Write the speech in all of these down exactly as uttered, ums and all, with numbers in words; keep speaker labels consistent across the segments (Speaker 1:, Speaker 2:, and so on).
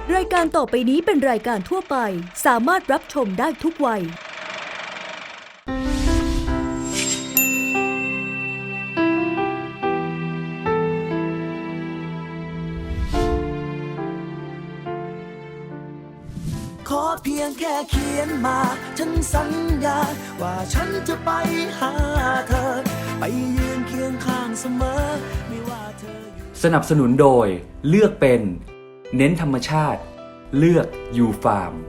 Speaker 1: รายการต่อไปนี้เป็นรายการทั่วไปสามารถรับชมได้ทุกวัย
Speaker 2: ขอเพียงแค่เขียนมาฉันสัญญาว่าฉันจะไปหาเธอไปยืนเคียงข้างเสมอไม่ว่าเธออยู่
Speaker 3: สนับสนุนโดยเลือกเป็นเน้นธรรมชาติเลือกยูฟาร์ม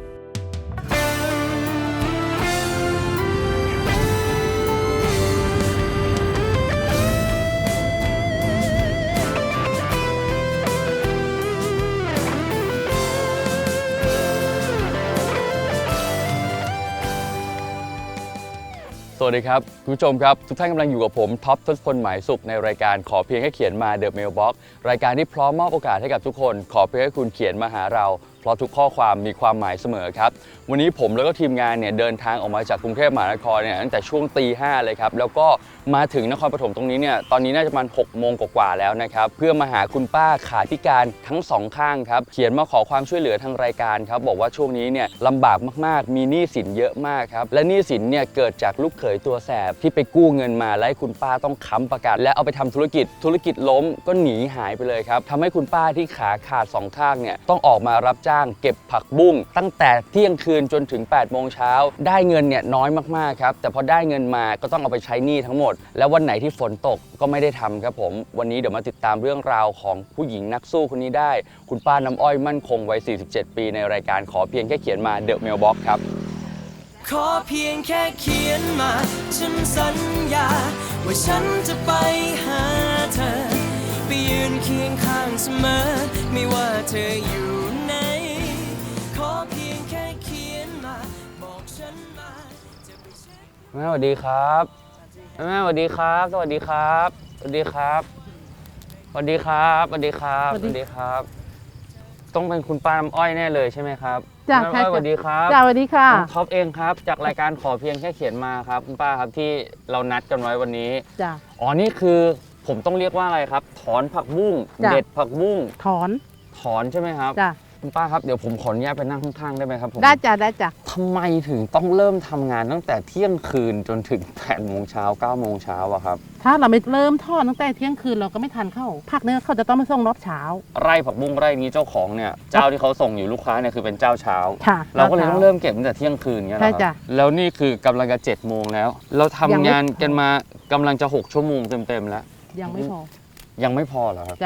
Speaker 4: สวัสดีครับคุณผู้ชมครับทุกท่านกำลังอยู่กับผมท็อปทศพลหมายสุขในรายการขอเพียงแค่เขียนมา The Mailbox รายการที่พร้อมมอบโอกาสให้กับทุกคนขอเพียงให้คุณเขียนมาหาเราเพราะทุกข้อความมีความหมายเสมอครับวันนี้ผมแล้วก็ทีมงานเนี่ยเดินทางออกมาจากกรุงเทพมหานครเนี่ยตั้งแต่ช่วงตีห้าเลยครับแล้วก็มาถึงนครปฐมตรงนี้เนี่ยตอนนี้น่าจะประมาณหกโมงกว่าแล้วนะครับเพื่อมาหาคุณป้าขาพิการทั้งสองข้างครับเขียนมาขอความช่วยเหลือทางรายการครับบอกว่าช่วงนี้เนี่ยลำบากมากๆมีหนี้สินเยอะมากครับและหนี้สินเนี่ยเกิดจากลูกเขยตัวแสบที่ไปกู้เงินมาและให้คุณป้าต้องค้ำประกันและเอาไปทำธุรกิจธุรกิจล้มก็หนีหายไปเลยครับทำให้คุณป้าที่ขาขาดสองข้างเนี่ยต้องออกมารับจ้างเก็บผักบุ้งตั้งแต่เที่ยงคืนจนถึงแปดโมงเช้าได้เงินเนี่ยน้อยมากๆครับแต่พอได้เงินมาก็ต้องเอาไปใช้หนี้ทั้งหมดแล้ววันไหนที่ฝนตกก็ไม่ได้ทำครับผมวันนี้เดี๋ยวมาติดตามเรื่องราวของผู้หญิงนักสู้คนนี้ได้คุณป้าน้ำอ้อยมั่นคงวัยสี่สิบเจ็ดปีในรายการขอเพียงแค่เขียนมา The Mailbox ครับ
Speaker 2: ขอเพียงแค่เขียนมาฉันสัญญาว่าฉันจะไปหาเธอไปยืนเคียงข้างเสมอไม่ว่าเธออยู่ไหนขอเพียงแค่เขียนมาบอกฉันมาจะไปเช็ค
Speaker 4: แม่สวัสดีครับแม่สวัสดีครับสวัสดีครับสวัสดีครับสวัสดีครับสวัสดีครับสวัสดีครับต้องเป็นคุณป้าน้ำอ้อยแน่เลยใช่ไหมครับ
Speaker 5: จ้า
Speaker 4: น้ำอ้อยสวัสดีครับ
Speaker 5: จ้าสวัสดีค่ะ
Speaker 4: น้องท็อปเองครับจากรายการขอเพียงแค่เขียนมาครับคุณป้าครับที่เรานัดกันไว้วันนี้
Speaker 5: จ้า
Speaker 4: อ๋อนี่คือผมต้องเรียกว่าอะไรครับถอนผักบุ้งเด็ดผักบุ้ง
Speaker 5: ถอน
Speaker 4: ถอนใช่ไหมครับ
Speaker 5: จ้า
Speaker 4: คุณป้าครับเดี๋ยวผมขออนุญาตไปนั่งข้างๆได้ไหมครับผม
Speaker 5: ได้จ้าได้จ้า
Speaker 4: ทำไมถึงต้องเริ่มทำงานตั้งแต่เที่ยงคืนจนถึงแปดโมงเช้าเก้าโมงเช้าอะครับ
Speaker 5: ถ้าเราไม่เริ่มทอดตั้งแต่เที่ยงคืนเราก็ไม่ทันเข้าผักเนี่ยเขาจะต้องมาส่งรอบเช้า
Speaker 4: ไร่ผักบุ้งไร่นี้เจ้าของเนี่ยเจ้าที่เขาส่งอยู่ลูกค้าเนี่ยคือเป็นเจ้าเช้า
Speaker 5: ค่ะ
Speaker 4: เราก็เลยต้องเริ่มเก็บตั้งแต่เที่ยงคืนเงี้ย
Speaker 5: ใช่จ้ะ
Speaker 4: แล้วนี่คือกำลังจะเจ็ดโมงแล้วเราทำงานกันมากำลังจะหกชั่วโมงเต็มๆแล้ว
Speaker 5: ยังไม่พอ
Speaker 4: ยังไม่พอเหรอครับ
Speaker 5: จ้ะ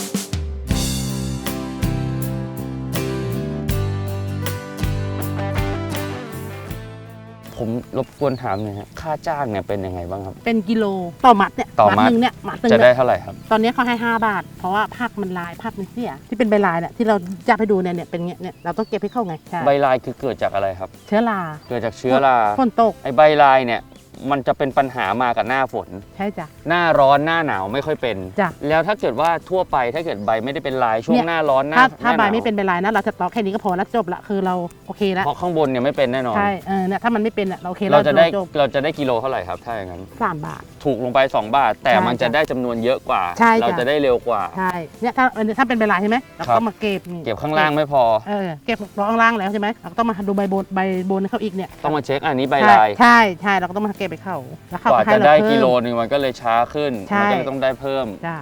Speaker 4: ผมรบกวนถามหน่อยฮะค่าจ้างเนี่ยเป็นยังไงบ้างครับ
Speaker 5: เป็นกิโลต่อมัดเนี่ย
Speaker 4: ต่อมัด
Speaker 5: นึงเนี่ยมัดนึง
Speaker 4: จะได้เท่าไหร่ครับ
Speaker 5: ตอนนี้เขาให้ห้าบาทเพราะว่าผักมันลายผักมันเสียที่เป็นใบลายเนี่ยที่เราจับให้ดูเนี่ยเนี่ยเป็นเงี้ยเนี่ยเราต้องเก็บให้เข้าไง
Speaker 4: ใบลายคือเกิดจากอะไรครับ
Speaker 5: เชื้อรา
Speaker 4: เกิดจากเชื้อรา
Speaker 5: ฝนตก
Speaker 4: ไอ้ใบลายเนี่ยมันจะเป็นปัญหามากับหน้าฝน
Speaker 5: ใช่จ้ะ
Speaker 4: หน้าร้อนหน้าหนาวไม่ค่อยเป็น
Speaker 5: จ้ะ
Speaker 4: แล้วถ้าเกิดว่าทั่วไปถ้าเกิดใบไม่ได้เป็นลายช่วงหน้าร้อนหน้า
Speaker 5: ถ้าใบไม่เป็นใบลายนะเราจะตอกแค่นี้ก็พอแล้วจบละคือเราโอเคแล้ว
Speaker 4: เพราะข้างบนเนี่ยไม่เป็นแน่นอน
Speaker 5: ใช่เออเนี่ยถ้ามันไม่เป็นเราโอเค
Speaker 4: เราจะได้เราจะได้กิโลเท่าไหร่ครับถ้าอย่างนั้น
Speaker 5: สามบาท
Speaker 4: ถูกลงไปสองบาทแต่มันจะได้จำนวนเยอะกว่าเราจะได้เร็วกว่า
Speaker 5: ใช่เนี่ยถ้าถ้าเป็นใบลายใช่ไหมเราก็มาเก็บ
Speaker 4: เก็บข้างล่างไม่พอ
Speaker 5: เออเก็บข้างล่างแล้วใช่ไหมเราต้องมาดูใบบนใบบนเขาอีกเนี่ย
Speaker 4: ต้องมาเช็คอันนี้ใบลาย
Speaker 5: ใช่ใช่เราก็ต้องมาเก็บไปเข้าแล้ว
Speaker 4: กว่าจะได้กิโลนึงมันก็เลยช้าขึ้นมันก็เลยต้องได้เพิ่ม
Speaker 5: จ้า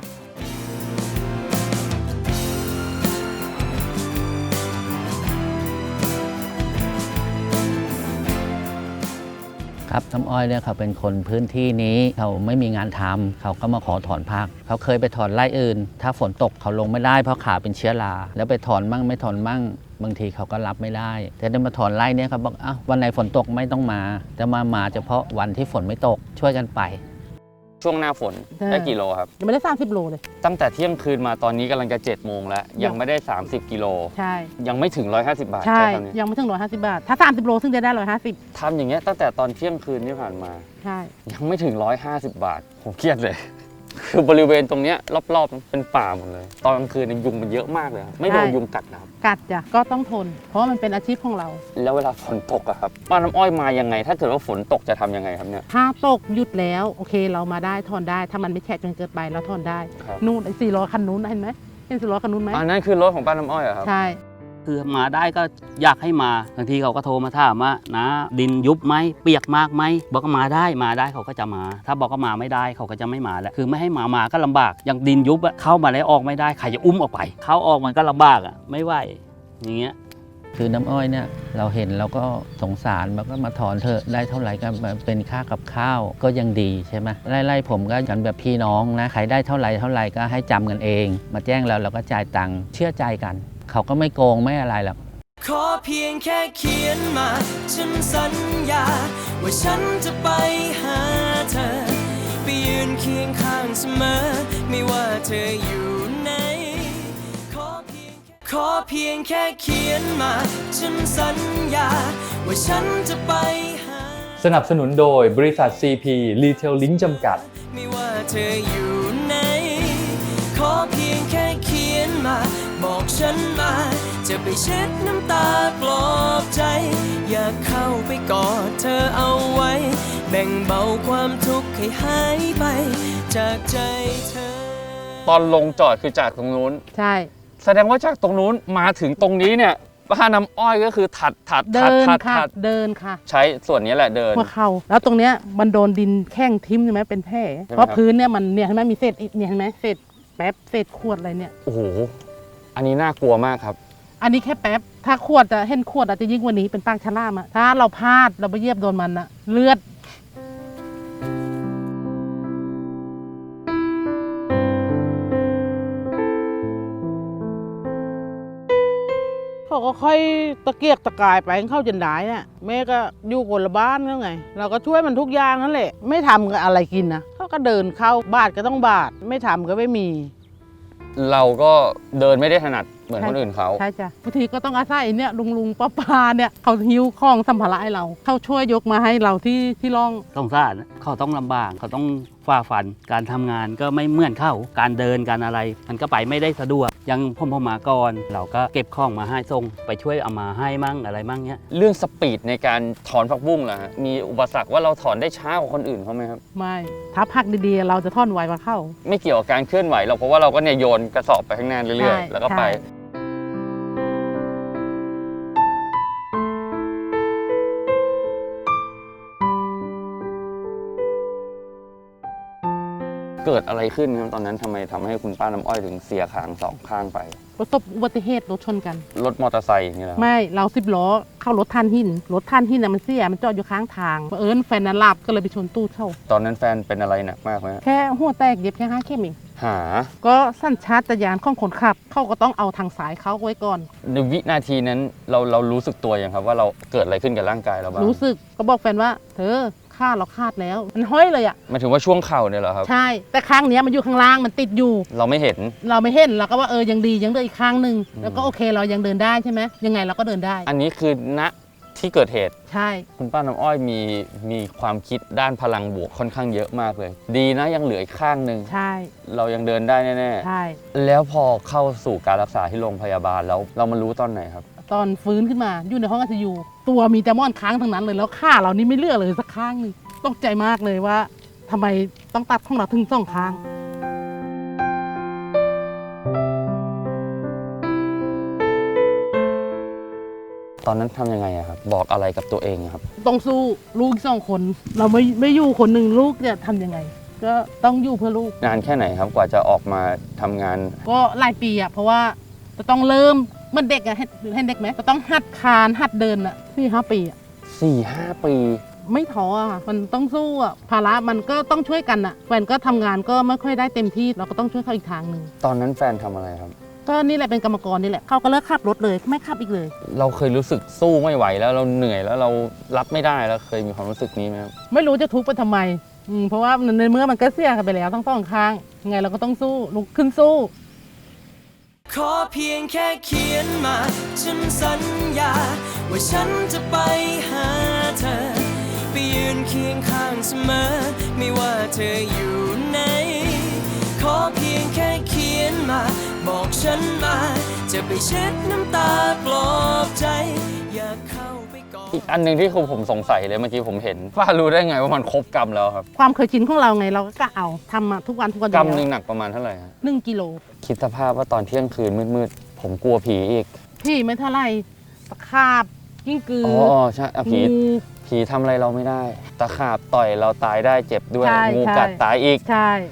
Speaker 6: ครับน้ำอ้อยเนี่ยเขาเป็นคนพื้นที่นี้เขาไม่มีงานทำเขาก็มาขอถอนผักเขาเคยไปถอนไร่อื่นถ้าฝนตกเขาลงไม่ได้เพราะขาเป็นเชื้อราแล้วไปถอนมั่งไม่ถอนมั่งบางทีเขาก็รับไม่ได้แต่ได้มาถอนไร่เนี่ยเขาบอกอ้าววันไหนฝนตกไม่ต้องมาจะมามาเฉพาะวันที่ฝนไม่ตกช่วยกันไป
Speaker 4: ช่วงหน้าฝนได้กี่โลครับ
Speaker 5: ยังไม่ได้สามสิบโลเลย
Speaker 4: ตั้งแต่เที่ยงคืนมาตอนนี้กำลังจะเจ็ดโมงแล้วยังไม่ได้สามสิบกิโล
Speaker 5: ใช่
Speaker 4: ยังไม่ถึงหนึ่งร้อยห้าสิบบาท
Speaker 5: ใช่ยังไม่ถึงหนึ่งร้อยห้าสิบบาทถ้าสามสิบโลซึ่งจะได้หนึ่งร้อยห้าสิบ
Speaker 4: ทำอย่างเงี้ยตั้งแต่ตอนเที่ยงคืนที่ผ่านมา
Speaker 5: ใช่
Speaker 4: ยังไม่ถึงหนึ่งร้อยห้าสิบบาทผมเครียดเลยคือบริเวณตรงเนี้ยรอบๆเป็นป่าหมดเลยตอนกลางคืนยุงมันเยอะมากเลยไม่โดนยุงกัดนะครับ
Speaker 5: กัดจ้ะก็ต้องทนเพราะมันเป็นอาชีพของเรา
Speaker 4: แล้วเวลาฝนตกอะครับป้าน้ำอ้อยมายังไงถ้าเกิดว่าฝนตกจะทำยังไงครับเนี่ย
Speaker 5: ถ้าตกหยุดแล้วโอเคเรามาได้ถอนได้ถ้ามันไม่แฉะจนเกินไปเราถอนได้นู่นไอ้สี่ล้อคันนู้นเห็นไหมเห็นสี่ล้อคันนู้นไหม
Speaker 4: อันนั้นคือรถของป้าน้ำอ้อยเหรอครับ
Speaker 5: ใช่
Speaker 7: คือมาได้ก็อยากให้มาบางทีเขาก็โทรมาถามว่านะดินยุบไหมเปียกมากไหมบอกก็มาได้มาได้เขาก็จะมา ถ้าบอกก็มาไม่ได้เขาก็จะไม่มาแล้วคือไม่ให้มามาก็ลำบากอย่างดินยุบเข้ามาแล้วออกไม่ได้ใครจะอุ้มออกไปเข้าออกมันก็ลำบากอ่ะไม่ไหวอย่างเงี้ย
Speaker 6: คือน้ำอ้อยเนี่ยเราเห็นเราก็สงสารมันก็มาถอนเถอะได้เท่าไหร่ก็เป็นค่ากับข้าวก็ยังดีใช่ไหมไล่ๆผมก็กันแบบพี่น้องนะใครได้เท่าไหร่เท่าไหร่ก็ให้จำกันเองมาแจ้งแล้วเราก็จ่ายตังค์เชื่อใจกันเขาก็ไม่โกงไม่อะไรหรอก
Speaker 2: ขอเพียงแค่เขียนมาฉันสัญญาว่าฉันจะไปหาเธอไปยืนเคียงข้างเสมอไม่ว่าเธออยู่ไหนขอเพียงขอเพียงแค่เขียนมาฉันสัญญาว่าฉันจะไปหา
Speaker 3: สนับสนุนโดยบริษัท ซี พี Retail Link จำกัด
Speaker 2: ไม่ว่าเธออยู่ไหนขอเพียงแค่เขียนมาบอกฉันมาจะไปเช็ดน้ำตาปลอบใจอยากเข้าไปกอดเธอเอาไว้แบ่งเบาความทุกข์ให้หายไปจากใจเธอ
Speaker 4: ตอนลงจอดคือจากตรงนู้น
Speaker 5: ใช่
Speaker 4: แสดงว่าจากตรงนู้นมาถึงตรงนี้เนี่ยป้าน้ำอ้อยก็คือถัดถัด
Speaker 5: เดิ
Speaker 4: น
Speaker 5: ค่ะเดินค่ะ
Speaker 4: ใช้ส่วนนี้แหละเดิน
Speaker 5: หัวเข่าแล้วตรงเนี้ยมันโดนดินแข้งทิ่มใช่ไหมเป็นแผลเพราะพื้นเนี่ยมันเนี่ยเห็นไหมมีเศษเนี่ยเห็นไหมเศษแป๊บเศษขวดอะไรเนี่ย
Speaker 4: โอ้โหอันนี้น่ากลัวมากครับ
Speaker 5: อันนี้แค่แป๊บถ้าขวดจะเห็นขวดอาจจะยิ่งกว่านี้เป็นปากฉลามอะถ้าเราพลาดเราไปเหยียบโดนมันอะเลือดเขาก็ค่อยตะเกียกตะกายไปเข้าจนได้เนี่ยแม่ก็อยู่คนละบ้านแล้วไงเราก็ช่วยมันทุกอย่างนั่นแหละไม่ทำอะไรกินนะเขาก็เดินเข้าบาทก็ต้องบาทไม่ทำก็ไม่มี
Speaker 4: เราก็เดินไม่ได้ถนัดเหมือนคนอื่นเขา
Speaker 5: ใช่จ้ะบางทีก็ต้องอาศัยเนี่ยลุงลุงป้าป้าเนี่ยเขาหิ้วของสัมภาระให้เราเขาช่วยยกมาให้เราที่ที่ร่อง
Speaker 7: สงสารเขาต้องลำบากเขาต้องฝ่าฟันการทำงานก็ไม่เหมือนเขาการเดินการอะไรมันก็ไปไม่ได้สะดวกยังพ่อพ่อมาก่อนเราก็เก็บของมาให้ส่งไปช่วยเอามาให้มั่งอะไรมั่งเนี้ย
Speaker 4: เรื่องสปีดในการถอนผักบุ้งล่ะมีอุปสรรคว่าเราถอนได้ช้ากว่าคนอื่นเขาไหมครับ
Speaker 5: ไม่ถ้าผักดีๆเราจะถอนไวกว่าเขา
Speaker 4: ไม่เกี่ยวกับการเคลื่อนไหวเราเพราะว่าเราก็เนี่ยโยนกระสอบไปข้างหน้าเรื่อยๆแล้วก็ไปเกิดอะไรขึ้นครับตอนนั้นทำไมทำให้คุณป้าน้ำอ้อยถึงเสียขางสองข้างไป
Speaker 5: ประสบอุบัติเหตุรถชนกัน
Speaker 4: รถมอเตอร์ไซค์อย่างเงี้ย
Speaker 5: ไม่เราสิบล้อเข้ารถท่านหินรถท่านหินน่ะมันเสียมันจอดอยู่ข้างทางเอิญแฟนนั้นหลับก็เลยไปชนตู้เข้า
Speaker 4: ตอนนั้นแฟนเป็นอะไรหนักมากไหม
Speaker 5: แค่หัวแตกเย็บแค่ห้าเข็มเอง
Speaker 4: หา
Speaker 5: ก็สัญชาตญาณของคนขับเขาก็ต้องเอาทางสายเขาไว้ก่อน
Speaker 4: ในวินาทีนั้นเราเรารู้สึกตัวยังครับว่าเราเกิดอะไรขึ้นกับร่างกายเราบ้าง
Speaker 5: รู้สึกก็บอกแฟนว่าเธอขาเราขาดแล้วมันห้อยเลยอ่ะ
Speaker 4: มันถือว่าช่วงเข่าเนี่ยเหรอครับ
Speaker 5: ใช่แต่ข้างเนี้ยมันอยู่ข้างล่างมันติดอยู่
Speaker 4: เราไม่เห็น
Speaker 5: เราไม่เห็นเราก็ว่าเออยังดียังเดินอีกข้างหนึ่งแล้วก็โอเคเรายังเดินได้ใช่ไหมยังไงเราก็เดินได้
Speaker 4: อันนี้คือณที่เกิดเหตุ
Speaker 5: ใช่
Speaker 4: คุณป้าน้ำอ้อยมีมีความคิดด้านพลังบวกค่อนข้างเยอะมากเลยดีนะยังเหลืออีกข้างหนึ่ง
Speaker 5: ใช่
Speaker 4: เรายังเดินได้แน่
Speaker 5: ๆใช่
Speaker 4: แล้วพอเข้าสู่การรักษาที่โรงพยาบาลแล้วเรามารู้ตอนไหนครับ
Speaker 5: ตอนฟื้นขึ้นมาอยู่ในห้องไอซียูตัวมีแต่ม่อนค้างทั้งนั้นเลยแล้วขาเรานี่ไม่เลือกเลยสักข้างนึงตกใจมากเลยว่าทำไมต้องตัดของเราถึงสองข้าง
Speaker 4: ตอนนั้นทำยังไงอะครับบอกอะไรกับตัวเองครับ
Speaker 5: ต้องสู้ลูกสองคนเราไม่ไม่อยู่คนหนึ่งลูกจะทำยังไงก็ต้องอยู่เพื่อลูก
Speaker 4: นานแค่ไหนครับกว่าจะออกมาทำงาน
Speaker 5: ก็หลายปีอะเพราะว่าจะต้องเริ่มเมื่อเด็กอะให้ให้เด็กไหมจะต้องหัดคานหัดเดินอะสี่ห้าปีอะ
Speaker 4: สี่ห้าปี
Speaker 5: ไม่ท้ออะมันต้องสู้อะภาระมันก็ต้องช่วยกันอะแฟนก็ทำงานก็ไม่ค่อยได้เต็มที่เราก็ต้องช่วยเขาอีกทางหนึ่ง
Speaker 4: ตอนนั้นแฟนทำอะไรครับ
Speaker 5: ก็นี่แหละเป็นกรรมกรนี่แหละเขาก็เลิกขับรถเลยไม่ขับอีกเลย
Speaker 4: เราเคยรู้สึกสู้ไม่ไหวแล้วเราเหนื่อยแล้วเรารับไม่ได้แล้วเคยมีความรู้สึกนี้ไหมครับ
Speaker 5: ไม่รู้จะทุกข์ไปทำไมเพราะว่าในเมื่อมันก็เสียกันไปแล้วทั้งสองข้างยังไงเราก็ต้องสู้ลุกขึ้นสู้
Speaker 2: ขอเพียงแค่เขียนมาฉันสัญญาว่าฉันจะไปหาเธอไปยืนเคียงข้างเสมอไม่ว่าเธออยู่ไหนขอเพียงแค่เขียนมาบอกฉันมาจะไปเช็ดน้ำตาปลอบใจอยากเข้าไปกอด
Speaker 4: อีกอันหนึ่งที่ผมสงสัยเลยเมื่อกี้ผมเห็นป้ารู้ได้ไงว่ามันครบกรัมแล้วครับ
Speaker 5: ความเคยชินของเราไงเราก็เอาทำมาทุกวันทุกวัน
Speaker 4: กรัมหนึ่งหนักประมาณเท่าไหร่
Speaker 5: หนึ่งกิโล
Speaker 4: คิดสภาพว่าตอนเที่ยงคืนมืดๆผมกลัวผีอีก
Speaker 5: พี่ไม่เท่าไหร่ตะขาบกิ้งกือ
Speaker 4: อ๋อ
Speaker 5: อ
Speaker 4: อ๋อใช่อ่ะผี
Speaker 5: งู
Speaker 4: ผีทำอะไรเราไม่ได้ ตะขาบต่อยเราตายได้เจ็บด้วย
Speaker 5: ใช่
Speaker 4: งู
Speaker 5: ใช่
Speaker 4: กัดตายอีก
Speaker 5: ใช่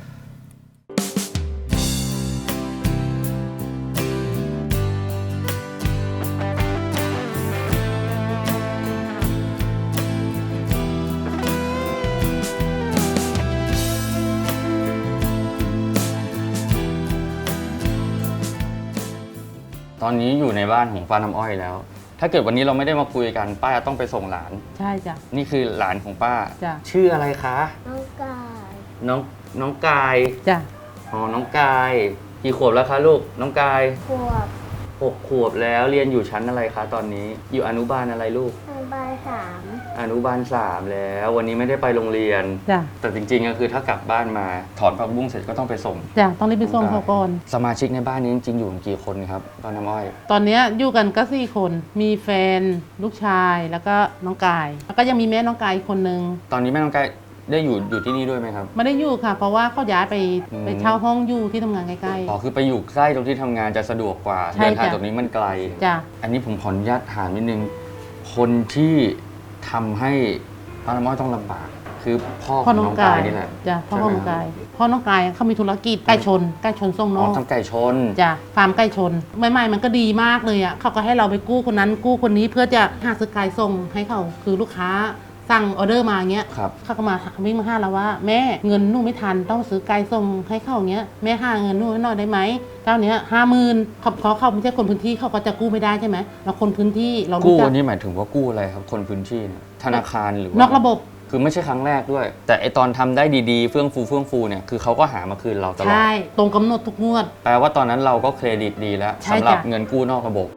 Speaker 4: ตอนนี้อยู่ในบ้านของป้าน้ำอ้อยแล้ว ถ้าเกิดวันนี้เราไม่ได้มาคุยกันป้าต้องไปส่งหลาน
Speaker 5: ใช่จ้ะ
Speaker 4: นี่คือหลานของป้า
Speaker 5: จ้ะ
Speaker 4: ชื่ออะไรคะ
Speaker 8: น้องกาย
Speaker 4: น้องน้องกาย
Speaker 5: จ้ะ
Speaker 4: อ๋อ น้องกาย กี่ขวบแล้วคะลูก น้องกาย
Speaker 8: ขวบ
Speaker 4: หกขวบแล้วเรียนอยู่ชั้นอะไรคะตอนนี้ อยู่อนุบาลอะไรลูก
Speaker 8: อนุบาลสาม
Speaker 4: อนุบาลสามแล้ว วันนี้ไม่ได้ไปโรงเรียน
Speaker 5: จ้ะ
Speaker 4: แต่จริงๆก็คือถ้ากลับบ้านมาถอนผักบุ้งเสร็จก็ต้องไปส่ง
Speaker 5: จ้ะต้องรีบไปส่งเขาก่อน
Speaker 4: สมาชิกในบ้านนี้จริงๆอยู่กันกี่คนครับป้าน้ำอ้อย
Speaker 5: ตอนเนี้ยอยู่กันก็สี่คน มีแฟนลูกชายแล้วก็น้องกาย แล้วก็ยังมีแม่น้องกายอีกคนนึง
Speaker 4: ตอนนี้แม่น้องกายได้อยู่อยู่ที่นี่ด้วยไหมครับ
Speaker 5: ไม่ได้อยู่ค่ะ เพราะว่าเขาย้ายไป
Speaker 4: อืม
Speaker 5: ไปเช่าห้องอยู่ที่ทำงานใกล้
Speaker 4: อ๋อคือไปอยู่ใกล้ตรงที่ทำงานจะสะดวกกว่า
Speaker 5: ใช่
Speaker 4: เดินทาง
Speaker 5: จ้ะ
Speaker 4: ตรงนี้มันไกล
Speaker 5: ๆจ้ะ
Speaker 4: อันนี้ผมขออนุญาตถามนิดนึง คนที่ทำให้ป้าน้ำอ้อยต้องลำบาก คือพ่อข
Speaker 5: พ่อ
Speaker 4: อง
Speaker 5: น้
Speaker 4: น้
Speaker 5: อ
Speaker 4: อง ง
Speaker 5: กาก
Speaker 4: าย ยนี่แหละ
Speaker 5: จ้ะพ่อ
Speaker 4: ใช่
Speaker 5: ของ
Speaker 4: ไหม
Speaker 5: น้อง
Speaker 4: ครับ
Speaker 5: กายพ่อน้องกายเขามีธุรกิจไก่ชนไก่ชนส่งน
Speaker 4: อ๋อ
Speaker 5: อก
Speaker 4: ทำไก่ชน
Speaker 5: จ้ะฟาร์มไก่ชนใหม่ๆมันก็ดีมากเลยอ่ะเขาก็ให้เราไปกู้คนนั้นกู้คนนี้เพื่อจะหาซื้อไก่ส่งให้เขาคือลูกค้าสั่งออเดอร์มาอย่างเงี้ย
Speaker 4: ครับ
Speaker 5: เขาก็มาวิ่งมาห้าเราว่าแม่เงินหนูไม่ทันต้องซื้อไก่ส่งให้เขาอย่างเงี้ยแม่หาเงินหนูให้หน่อยได้ไหมเจ้าเนี้ยห้าหมื่นเขาเพราะเขาไม่ใช่คนพื้นที่เขาก็จะกู้ไม่ได้ใช่ไหมเราคนพื้นที่เรา
Speaker 4: กู้
Speaker 5: รู้จั
Speaker 4: วั
Speaker 5: ก
Speaker 4: นนี้หมายถึงว่ากู้อะไรครับ คนพื้นที่เนี่ยธนาคารหรือว่าน
Speaker 5: อกระบบ
Speaker 4: คือไม่ใช่ครั้งแรกด้วย แต่ไอตอนทำได้ดีๆ เฟื่องฟูเฟื่องฟูเนี่ยคือเขาก็หามาคืนเราตลอด
Speaker 5: ใช่ตรงกำหนดทุกงวด
Speaker 4: แปลว่าตอนนั้นเราก็เครดิตดีแล้ว
Speaker 5: ใช่
Speaker 4: สำหรับ
Speaker 5: จ้ะ
Speaker 4: เงินกู้นอกระบบ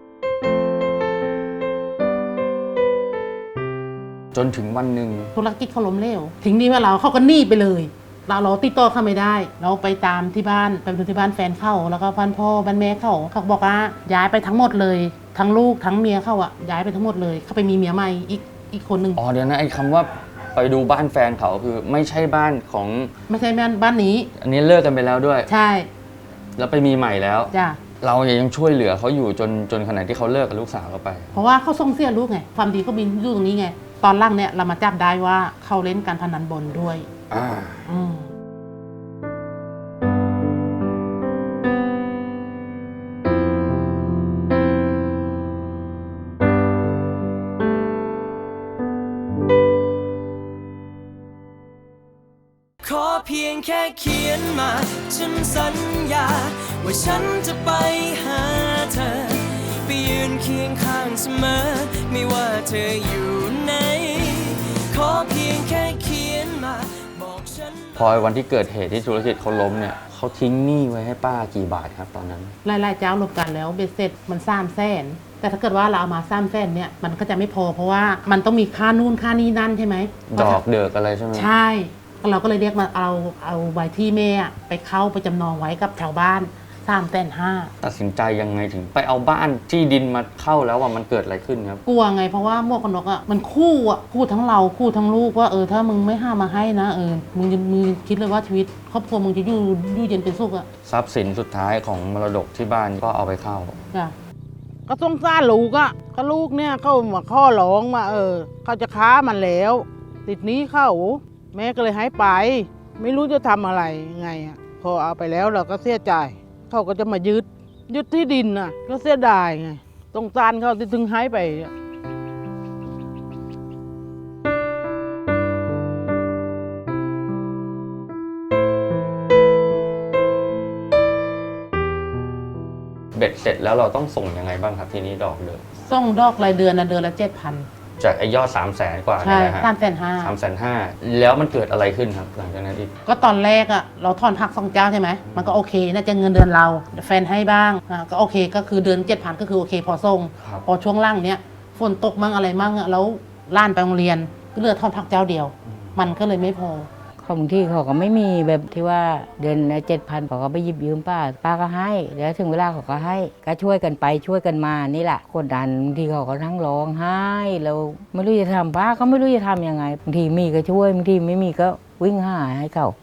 Speaker 4: จนถึงวันหนึ่ง
Speaker 5: ธุรกิจเขาล้มเหลวทิ้งหนี้ไว้เราเขาก็หนี้ไปเลย เราเราติดต่อเขาไม่ได้ เราไปตามที่บ้านไปดูที่บ้านแฟนเขาแล้วก็บ้านพ่อบ้านแม่เขาเขาบอกว่าย้ายไปทั้งหมดเลยทั้งลูกทั้งเมียเขาอะย้ายไปทั้งหมดเลยเขาไปมีเมียใหม่อีกอีกคนหนึ่ง
Speaker 4: อ๋อเดี๋ยวนะไอ้คำว่าไปดูบ้านแฟนเขาคือไม่ใช่บ้านของ
Speaker 5: ไม่ใช่บ้านบ้านนี้
Speaker 4: อันนี้เลิกกันไปแล้วด้วย
Speaker 5: ใช่
Speaker 4: แล้วไปมีใหม่แล้ว
Speaker 5: จ้ะ
Speaker 4: เรายังช่วยเหลือเขาอยู่จนจนขณะที่เขาเลิกกับลูกสาวเราไป
Speaker 5: เพราะว่าเขาส่งเสียลูกไงความดีก็บินอยู่ตรงนี้ไงตอนหล่างเนี่ยเรามาจับได้ว่าเขาเล่นการพนันบอลด้วย
Speaker 4: อ่า
Speaker 5: อืม
Speaker 2: ขอเพียงแค่เขียนมา ฉันสัญญา ว่าฉันจะไปหาเธอ ไปยืนเคียงข้างเสมอ ไม่ว่าเธออยู่ไหนขอเพียงแค่เขียนมา บอกฉัน
Speaker 4: พอวันที่เกิดเหตุที่ธุรกิจเขาล้มเนี่ยเขาทิ้งหนี้ไว้ให้ป้ากี่บาทครับตอนนั้น
Speaker 5: รายๆเจ้ารวมกันแล้วเบ็ดเสร็จมันสามแสนแต่ถ้าเกิดว่าเราเอามาสามแสนเนี่ยมันก็จะไม่พอเพราะว่ามันต้องมีค่านู่นค่านี่นั่นใช่ไหม
Speaker 4: ดอกเดือกอะไรใช่ไหม
Speaker 5: ใช่เราก็เลยเรียกมาเอาเอาใบที่แม่อะไปเข้าไปจำนองไว้กับชาวบ้านสามแสนห้า
Speaker 4: ตัดสินใจยังไงถึงไปเอาบ้านที่ดินมาเข้าแล้วว่ามันเกิดอะไรขึ้นครับ
Speaker 5: กลัวไงเพราะว่าหมวกกันน็อกอ่ะมันคู่อ่ะคู่ทั้งเราคู่ทั้งลูกว่าเออถ้ามึงไม่ห้ามมาให้นะเออมึงจะมึงคิดเลยว่าชีวิตครอบครัวมึงจะอยู่อยู่เย็นเป็นสุขอ่ะ
Speaker 4: ทรัพย์สินสุดท้ายของมรดกที่บ้านก็เอาไปเข้า
Speaker 5: จ้ะก็สงสารลูกอ่ะก็ลูกเนี่ยเขามาข้อร้องมาเออเขาจะค้ามันแล้ว ติดหนี้เข้าแม่ก็เลยให้ไป ไม่รู้จะทำอะไรไงอ่ะพอเอาไปแล้วเราก็เสียใจเขาก็จะมายึดยึดที่ดินน่ะก็เสียดายไงสงสารเขาที่ถึงให้ไปอะ
Speaker 4: เบ็ดเสร็จแล้วเราต้องส่งยังไงบ้างครับทีนี้ดอกเดิม
Speaker 5: ส่งดอกรายเดือนนะเดือนละเจ็ดพัน
Speaker 4: จากไอ้ยอดสามแสนกว่า
Speaker 5: ใช่
Speaker 4: เนี่ยนะฮะ
Speaker 5: สามแสนห้า
Speaker 4: สามแสนห้าแล้วมันเกิดอะไรขึ้นครับหลังจากนั้นอีก
Speaker 5: ก็ตอนแรกอ่ะเราถอนพักสองเจ้าใช่ไหมมันก็โอเคน่าจะเงินเดือนเราแฟนให้บ้างอ่ะก็โอเคก็คือเดือนเจ็ดพันก็คือโอเคพอส่ง
Speaker 4: ครับ
Speaker 5: พอช่วงล่างเนี้ยฝนตกมั่งอะไรมั่งอะแล้วล้านไปโรงเรียนก็เหลือถอนพักเจ้าเดียว มันก็เลยไม่พอ
Speaker 9: บางที่เขาก็ไม่มีแบบที่ว่าเดือนละเจ็ดพันเขาก็ไปหยิบยืมป้าป้าก็ให้แล้วถึงเวลาเขาก็ให้ก็ช่วยกันไปช่วยกันมานี่แหละกดดันบางทีเขาก็ทั้งร้องไห้เราไม่รู้จะทำป้าก็ไม่รู้จะทำยังไงบางทีมีก็ช่วยบางทีไม่มีก็วิ่งหาให้เขา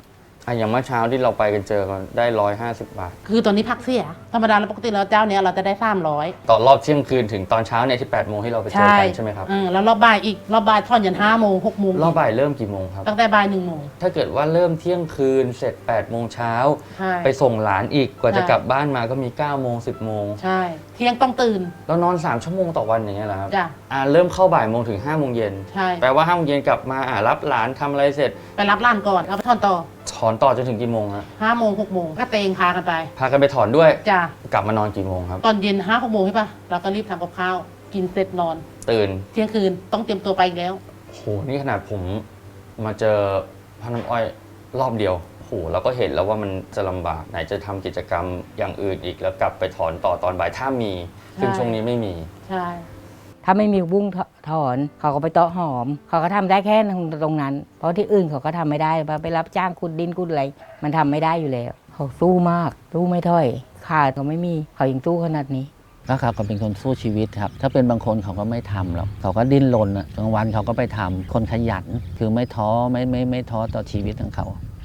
Speaker 4: อ่ะอย่างเมื่อเช้าที่เราไปกันเจอกันได้ร้อยห้าสิบบาท
Speaker 5: คือตอนนี้พักเสียธรรมดาแล้วปกติแล้วเจ้าเนี้ยเราจะได้สามร้อย
Speaker 4: ต่อรอบเที่ยงคืนถึงตอนเช้าเนี่ยที่แปดโมงที่เราไปเจอกันใช่ไหมครับ
Speaker 5: เออแล้วรอบบ่ายอีกรอบบ่ายทอนยันห้าโมงหกโมง
Speaker 4: รอบบ่ายเริ่มกี่โมงครับ
Speaker 5: ตั้งแต่บ่ายหนึ่งโมง
Speaker 4: ถ้าเกิดว่าเริ่มเที่ยงคืนเสร็จแปดโมงเช้า
Speaker 5: ใช่
Speaker 4: ไปส่งหลานอีกกว่าจะ
Speaker 5: ใช่
Speaker 4: กลับบ้านมาก็มีเก้าโมงสิบโมง
Speaker 5: ใช่ เที่ยงต้องตื่น
Speaker 4: แล้วนอนสามชั่วโมงต่อวันอย่างเงี้ยเหรอครับ
Speaker 5: จ้ะ
Speaker 4: อ่าเริ่มเข้าบ่ายโมงถึงห้าโมงเย็น
Speaker 5: ใช่
Speaker 4: แปลว่าห้าโมงเย็นกลับมาอ่ารับหลานทำอะไรเสร็จ
Speaker 5: ไปรับร้านก่อนเอาไปทอนต่อ
Speaker 4: ถอนต่อจนถึงกี่โมงฮะ
Speaker 5: ห้าโมงหกโมงก็เตงพากันไป
Speaker 4: พากันไปถอนด้วย
Speaker 5: จ้ะ
Speaker 4: กลับมานอนกี่โมงครับ
Speaker 5: ตอนเย็นห้าหกโมงใช่ปะเราก็รีบทำกับข้าวกินเสร็จนอน
Speaker 4: ตื่น
Speaker 5: เที่ยงคืนต้องเตรียมตัวไปอีกแล้ว
Speaker 4: โหนี่ขนาดผมมาเจอพ่อน้ำอ้อยรอบเดียวโหเราก็เห็นแล้วว่ามันจะลำบากไหนจะทำกิจกรรมอย่างอื่นอีกแล้วกลับไปถอนต่อตอนบ่ายถ้ามีซึ่ง
Speaker 5: ใช่
Speaker 4: ช่วงนี้ไม่มี
Speaker 5: ใช่
Speaker 9: ถ้าไม่มีบุ้งถอนเขาก็ไปเตาะหอม เขาก็ทำได้แค่ตรงนั้น เพราะที่อื่นเขาก็ทำไม่ได้ไปรับจ้างขุดดินขุดอะไรมันทำไม่ได้อยู่แล้ว เขาสู้มากสู้ไม่ถอยขาดเขาไม่มีเขายังสู้ขนาดนี้
Speaker 6: ก็เขาก็เป็นคนสู้ชีวิตครับ ถ้าเป็นบางคนเขาก็ไม่ทำหรอกเขาก็ดิ้นรนอะกลางวันเขาก็ไปทำคนขยัน คือไม่ท้อไม่ไม่ไม่ท้อต่อชีวิตของเขา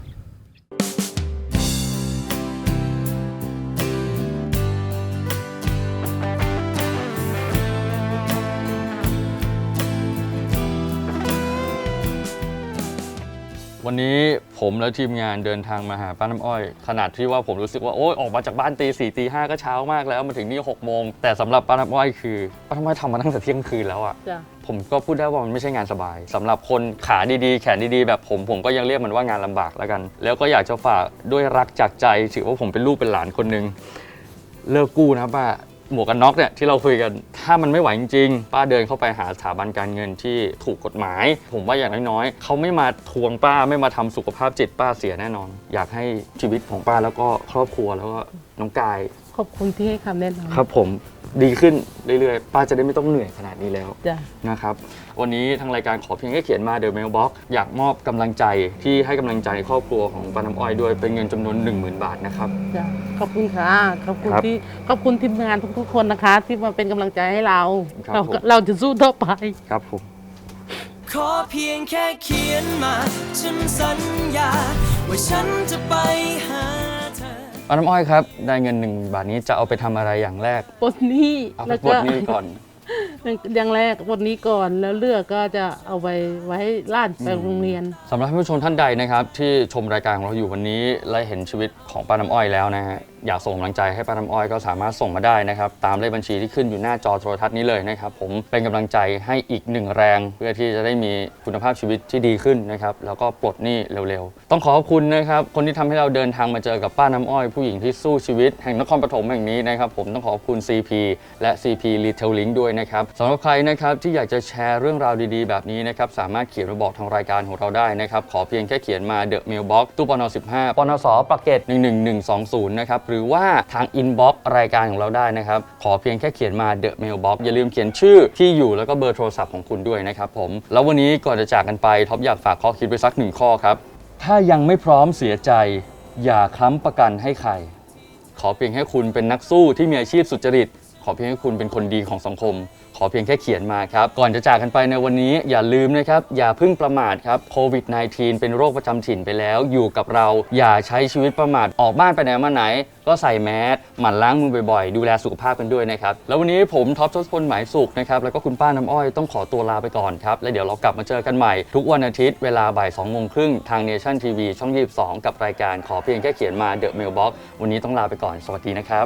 Speaker 4: วันนี้ผมและทีมงานเดินทางมาหาป้าน้ำอ้อย ขนาดที่ว่าผมรู้สึกว่าโอ๊ยออกมาจากบ้านตีสี่ตีห้าก็เช้ามากแล้วมาถึงนี่หกโมงแต่สำหรับป้าน้ำอ้อยคือป้าน้ำอ้อยทำมาตั้งแต่เที่ยงคืนแล้วอะ
Speaker 5: จ้ะ
Speaker 4: ผมก็พูดได้ว่ามันไม่ใช่งานสบายสำหรับคนขาดีๆแขนดีๆแบบผมผมก็ยังเรียกมันว่างานลำบากแล้วกัน แล้วก็อยากจะฝากด้วยรักจากใจถือว่าผมเป็นลูกเป็นหลานคนหนึ่งเลิกกู้นะป้าหมวกกันน็อกเนี่ยที่เราคุยกันถ้ามันไม่ไหวจริงๆป้าเดินเข้าไปหาสถาบันการเงินที่ถูกกฎหมาย ผมว่าอย่างน้อยๆเขาไม่มาทวงป้าไม่มาทำสุขภาพจิตป้าเสียแน่นอน อยากให้ชีวิตของป้าแล้วก็ครอบครัวแล้วก็น้องกาย
Speaker 5: ขอบคุณที่ให้คำแนะนำ
Speaker 4: ครับผมดีขึ้นเรื่อยๆป้าจะได้ไม่ต้องเหนื่อยขนาดนี้แล้ว
Speaker 5: จ้ะ
Speaker 4: นะครับวันนี้ทางรายการขอเพียงแค่เขียนมา The Mailbox อยากมอบกำลังใจที่ให้กำลังใจครอบครัวของป้าน้ำอ้อยด้วยเป็นเงินจำนวน หนึ่งหมื่น บาทนะครับ
Speaker 5: จ้ะขอบคุณค่ะขอบคุณ
Speaker 4: ครับ
Speaker 5: ที่ขอบคุณทีมงานทุกๆคนนะคะ ที่มาเป็นกำลังใจให้เรา
Speaker 4: ครับ
Speaker 5: เรา
Speaker 4: ผม
Speaker 5: เราจะสู้ต่อไป
Speaker 4: ครับผม
Speaker 2: ขอเพียงแค่เขียนมา ฉันสัญญา ว่าฉันจะไปหาเธอ
Speaker 4: ป้าน้ำอ้อยครับได้เงินหนึ่งบาทนี้จะเอาไปทำอะไรอย่างแรก
Speaker 5: ปลดหนี้
Speaker 4: เอาไป
Speaker 5: แล้ว
Speaker 4: ปล
Speaker 5: ก็
Speaker 4: ดหนี้ก่อน
Speaker 5: อย่างแรกปลดหนี้ก่อนแล้วเลือกก็จะเอาไปไว้ให้ล้านไปโรงเรียน
Speaker 4: สำหรับท่านผู้ชมท่านใดนะครับที่ชมรายการของเราอยู่วันนี้และเห็นชีวิตของป้าน้ำอ้อยแล้วนะฮะอยากส่งกำลังใจให้ป้าน้ำอ้อยก็สามารถส่งมาได้นะครับตามเลขบัญชีที่ขึ้นอยู่หน้าจอโทรทัศน์นี้เลยนะครับผมเป็นกำลังใจให้อีกหนึ่งแรง เพื่อที่จะได้มีคุณภาพชีวิตที่ดีขึ้นนะครับแล้วก็ปลดหนี้เร็วๆต้องขอขอบคุณนะครับคนที่ทำให้เราเดินทางมาเจอกับป้าน้ำอ้อยผู้หญิงที่สู้ชีวิตแห่งนครปฐมแห่งนี้นะครับผมต้องขอบคุณ ซี พี และ ซี พี Retailing ด้วยนะครับสำหรับใครนะครับที่อยากจะแชร์เรื่องราวดีๆแบบนี้นะครับสามารถเขียนมาบอกทางรายการของเราได้นะครับขอเพียงแค่เขียนมา The Mailbox ตู้ปนสิบห้าปนสปากเกตหนึ่งหนึ่งหนึ่งสองศูนย์นะครับหรือว่าทาง inbox รายการของเราได้นะครับขอเพียงแค่เขียนมา The Mailbox อย่าลืมเขียนชื่อที่อยู่แล้วก็เบอร์โทรศัพท์ของคุณด้วยนะครับผมแล้ววันนี้ก่อนจะจากกันไปท็อปอยากฝากข้อคิดไว้สักหนึ่งข้อครับถ้ายังไม่พร้อมเสียใจอย่าค้ำประกันให้ใครขอเพียงแค่คุณเป็นนักสู้ที่มีอาชีพสุจริตขอเพียงแค่คุณเป็นคนดีของสังคมขอเพียงแค่เขียนมาครับก่อนจะจากกันไปในวันนี้อย่าลืมนะครับอย่าเพิ่งประมาทครับโควิด สิบเก้า เป็นโรคประจำถิ่นไปแล้วอยู่กับเราอย่าใช้ชีวิตประมาทออกบ้านไปไหนมาไหนก็ใส่แมสหมั่นล้างมือบ่อยๆดูแลสุขภาพกันด้วยนะครับแล้ววันนี้ผมท็อปทศพลหมายสุขนะครับแล้วก็คุณป้าน้ำอ้อยต้องขอตัวลาไปก่อนครับแล้วเดี๋ยวเรากลับมาเจอกันใหม่ทุกวันอาทิตย์เวลาบ่ายสองโมงครึ่งทาง Nation ที วี ช่องยี่สิบสองกับรายการขอเพียงแค่เขียนมา The Mailbox วันนี้ต้องลาไปก่อนสวัสดีนะครับ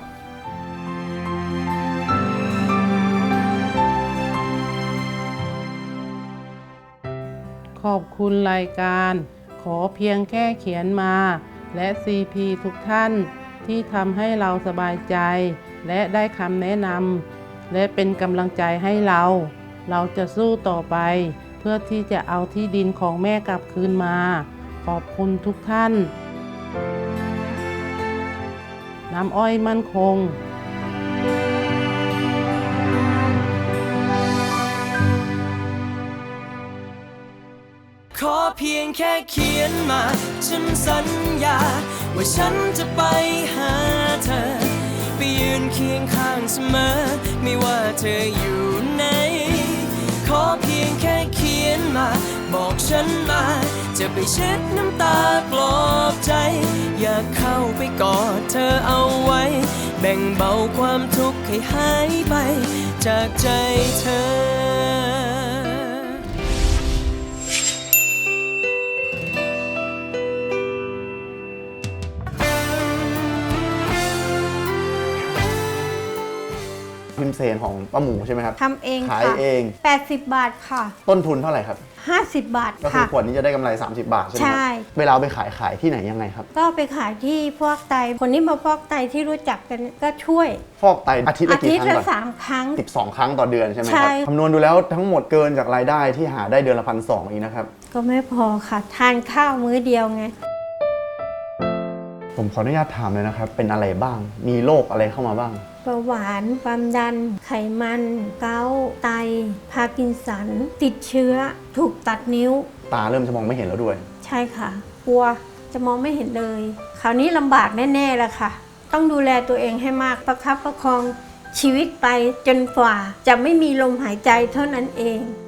Speaker 5: ขอบคุณรายการขอเพียงแค่เขียนมาและ ซี พี ทุกท่านที่ทำให้เราสบายใจและได้คำแนะนำและเป็นกำลังใจให้เราเราจะสู้ต่อไปเพื่อที่จะเอาที่ดินของแม่กลับคืนมาขอบคุณทุกท่านน้ำอ้อยมั่นคง
Speaker 2: ขอเพียงแค่เขียนมา ฉันสัญญา ว่าฉันจะไปหาเธอ ไปยืนเคียงข้างเสมอ ไม่ว่าเธออยู่ไหนขอเพียงแค่เขียนมา บอกฉันมา จะไปเช็ดน้ำตาปลอบใจ อยากเข้าไปกอดเธอเอาไว้ แบ่งเบาความทุกข์ให้หายไปจากใจเธอ
Speaker 8: พิมเซนของป้าหมูใช่ไหมครับ
Speaker 10: ทำเอง
Speaker 8: ขาย
Speaker 10: ค่ะ
Speaker 8: เอง
Speaker 10: แปดสิบบาทค่ะ
Speaker 8: ต้นทุนเท่าไหร่ครับ
Speaker 10: ห้าสิบบาท
Speaker 8: ก็คื
Speaker 10: ค่ะ
Speaker 8: อขวดนี้จะได้กำไร สามสิบบาทใช่ไหมค
Speaker 10: ใช่
Speaker 8: รับเวลาเอาไปขายขายที่ไหนยังไงครับ
Speaker 10: ก็ไปขายที่ฟอกไต คนที่มาฟอกไตที่รู้จักกันก็ช่วย
Speaker 8: ฟอกไตอาทิตย์
Speaker 10: อา
Speaker 8: ละ
Speaker 10: ทิ
Speaker 8: กี่
Speaker 10: ต
Speaker 8: ค
Speaker 10: ย์
Speaker 8: รั้ง
Speaker 10: ละ
Speaker 8: ก่อน
Speaker 10: สามครั้ง
Speaker 8: สิบสองครั้งต่อเดือนใช่ไหมค
Speaker 10: ใช่
Speaker 8: รับคำนวณดูแล้วทั้งหมดเกินจากรายได้ที่หาได้เดือนละพันสองอีกนะครับ
Speaker 10: ก็ไม่พอค่ะ ทานข้าวมื้อเดียวไง
Speaker 8: ผมขออนุญาตถามเลยนะครับ เป็นอะไรบ้าง มีโรคอะไรเข้ามาบ้าง
Speaker 10: เบาหวาน ความดัน ไขมัน เกาต์ไต พาร์กินสัน ติดเชื้อ ถูกตัดนิ้ว
Speaker 8: ตาเริ่มจะมองไม่เห็นแล้วด้วย
Speaker 10: ใช่ค่ะ กลัวจะมองไม่เห็นเลย คราวนี้ลำบากแน่ๆแล้วค่ะ ต้องดูแลตัวเองให้มาก ประคับประคองชีวิตไปจนกว่า จะไม่มีลมหายใจเท่านั้นเอง